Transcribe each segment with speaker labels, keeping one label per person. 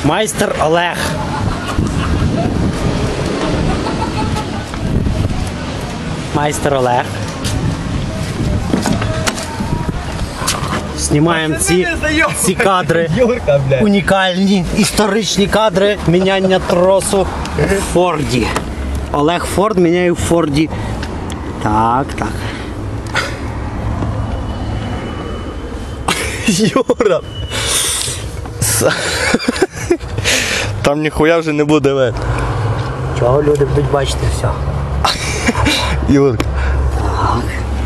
Speaker 1: Майстер Олег. Майстер Олег. Знімаємо ці кадри, унікальні, історичні кадри міняння тросу в Форді. Олег Форд міняє в Форді. Так, так.
Speaker 2: Юра! Там ніхуя вже не буде видно.
Speaker 1: Чого люди будуть бачити все?
Speaker 2: Юрка.
Speaker 1: Так.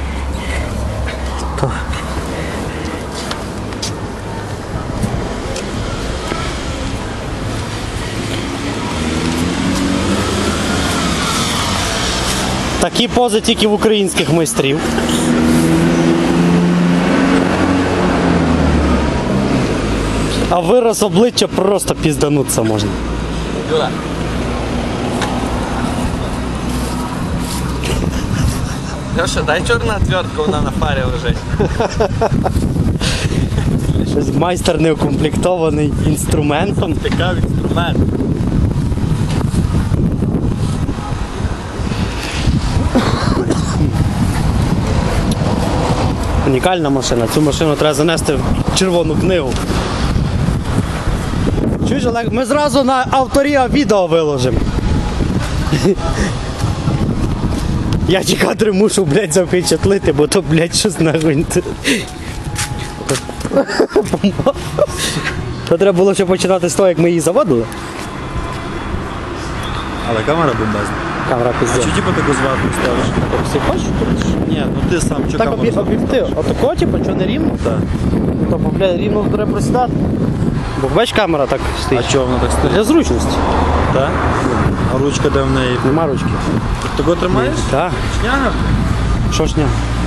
Speaker 1: То. Такі пози тільки в українських майстрів. А вираз обличчя просто піздануться можна.
Speaker 2: Юра. Леша, дай чорна отвертка, вона на фарі лежить.
Speaker 1: Щось майстер не укомплектований інструментом.
Speaker 2: Цікавий інструмент.
Speaker 1: Унікальна машина. Цю машину треба занести в червону книгу. Чуєш, Олег? Ми зразу на авторія відео виложимо. Я ті кадри мушу, блядь, запечатлити, бо то, блядь, щось нахуй. То треба було ще починати з того, як ми її заводили.
Speaker 2: Але камера бомбезна.
Speaker 1: Камера
Speaker 2: А
Speaker 1: піздець.
Speaker 2: чи типу таку зверху ставиш?
Speaker 1: Всі хочеш?
Speaker 2: Ні, ну ти сам чи
Speaker 1: Так
Speaker 2: камеру ставиш?
Speaker 1: об'єктив. Отако, типу, що не рівно?
Speaker 2: Так.
Speaker 1: То, блядь, рівно треба присідати. Бо бач, камера так
Speaker 2: А
Speaker 1: стоїть.
Speaker 2: чого вона так стоїть?
Speaker 1: Для зручності.
Speaker 2: Так? А ручка де в неї?
Speaker 1: Нема ручки.
Speaker 2: Ти тако тримаєш?
Speaker 1: Так.
Speaker 2: Шняга?
Speaker 1: Що ж ня?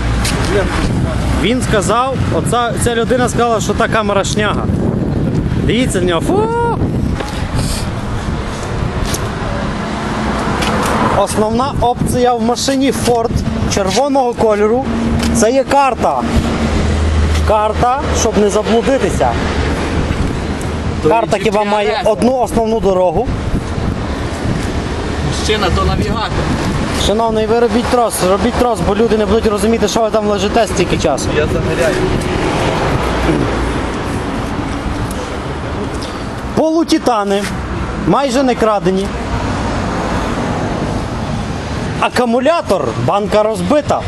Speaker 1: Він сказав, ця людина сказала, що та камера шняга. Дивіться на нього. Фу! Основна опція в машині Ford червоного кольору – це є карта. Карта, щоб не заблудитися. Карта хіба має одну основну дорогу.
Speaker 2: Мужчина, то навігатор.
Speaker 1: Шановний, ви робіть трос, бо люди не будуть розуміти, що ви там лежите стільки часу.
Speaker 2: Я загоряю.
Speaker 1: Полутитани, майже не крадені. Акумулятор, банка розбита.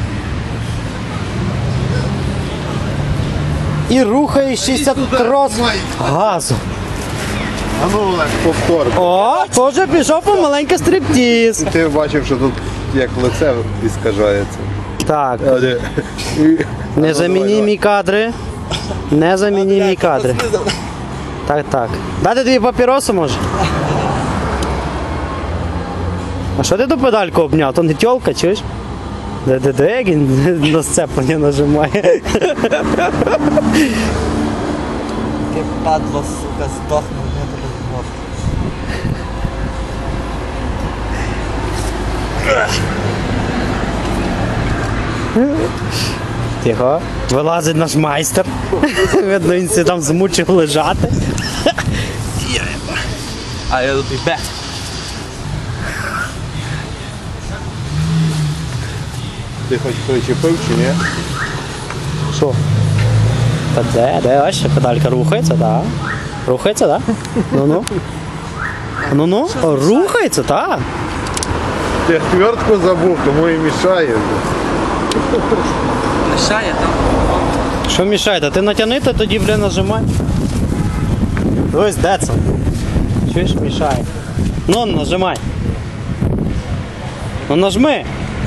Speaker 1: І рухає 60 трос газу.
Speaker 3: А ну, Олег, повтор.
Speaker 1: О, теж пішов помаленьку стриптіз.
Speaker 3: Ти бачив, що тут як лице іскажається.
Speaker 1: Так, незамінімі кадри. Незамінімі кадри. Так, так. Дати тобі папіросу, може? А що ти ту педальку обняв? То не тьолка, чуєш? Де, як він на сцеплення нажимає.
Speaker 2: Яке падло, сука, здохне, не тебе змог.
Speaker 1: Тихо. Вилазить наш майстер. Видно, він себе там змучив лежати.
Speaker 2: I'll be back.
Speaker 3: Ти хоч причепив чи ні?
Speaker 1: Що? Та де, ось ще педалька рухається, так. Рухається, так? Ну-ну. Ну-ну, рухається, так.
Speaker 3: Ти хвертку забув, тому і мішає.
Speaker 2: Мішає там?
Speaker 1: Що мішає? Та ти натягни, то тоді, бля, нажимай. Ось, де це? Чуєш, мішає. Ну, нажимай. Ну, нажми.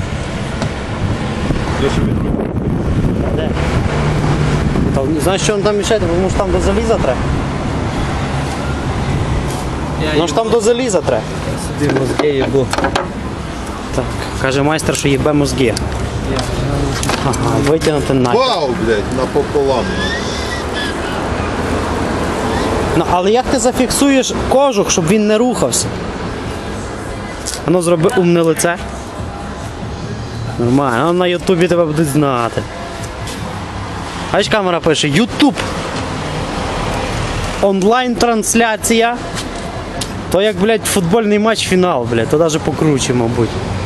Speaker 1: Де? Та, знаєш, що він там мішає? Тому що там до заліза треба. Ну ж там до заліза треба.
Speaker 2: Собі мозги їбу.
Speaker 1: Так, каже майстер, що їбе мозги. Ага, витягнути на.
Speaker 3: Вау, блядь, напополам.
Speaker 1: Ну, але як ти зафіксуєш кожух, щоб він не рухався? Воно зроби умне лице. Нормально, на Ютубі тебе будуть знати. Бачиш, камера пише Ютуб. онлайн-трансляція. То як, блядь, футбольний матч фінал, блядь, то навіть покруче, мабуть.